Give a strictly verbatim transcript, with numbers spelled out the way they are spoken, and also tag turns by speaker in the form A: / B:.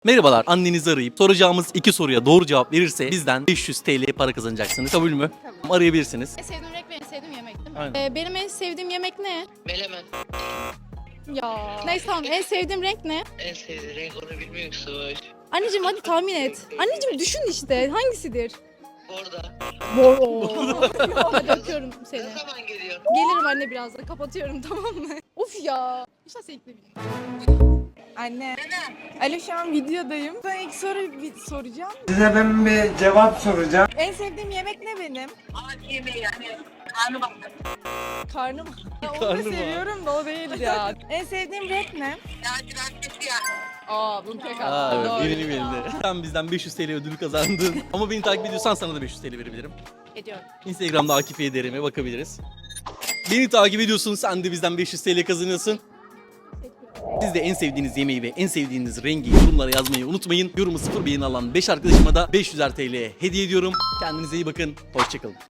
A: Merhabalar, annenizi arayıp soracağımız iki soruya doğru cevap verirse bizden beş yüz T L para kazanacaksınız. Kabul mü?
B: Kabul.
A: Arayabilirsiniz.
B: En sevdiğim renk ve en sevdiğim yemek değil mi?
A: Aynen.
B: Ee, benim en sevdiğim yemek ne?
C: Melemen.
B: Ya. Neyse tamam, en sevdiğim renk ne?
C: En sevdiğin renk onu bilmiyorsun.
B: Anneciğim hadi tahmin et. Anneciğim düşün işte, hangisidir?
C: Orada.
B: Mor. Oo. Hadi öpüyorum seni.
C: Ne zaman geliyorsun?
B: Gelirim anne birazdan, kapatıyorum tamam mı? Of ya. İşte sevgili.
D: Anne. Alo şu an videodayım. Sana ilk soruyu bir soracağım.
E: Size ben bir cevap soracağım.
D: En sevdiğim yemek ne benim?
C: Ağaç yemeği yani. Karnı bak.
D: Karnım. Ya onu
A: Karnım
D: da
A: var.
D: seviyorum da o değil ya. En sevdiğim renk ne?
C: Lacivert siyah.
D: Aa bunu tek
A: Aa, evet,
D: Doğru.
A: benim elimde. Sen bizden beş yüz T L ödülü kazandın. Ama beni takip ediyorsan sana da beş yüz T L verebilirim.
B: Ediyorum.
A: Instagram'da Akif Ederim'e bakabiliriz. Beni takip ediyorsun, sen de bizden beş yüz T L kazanıyorsun. Siz de en sevdiğiniz yemeği ve en sevdiğiniz rengi yorumlara yazmayı unutmayın. Yorumu sıfır beğeni alan beş arkadaşıma da beş yüzer T L hediye ediyorum. Kendinize iyi bakın, hoşçakalın.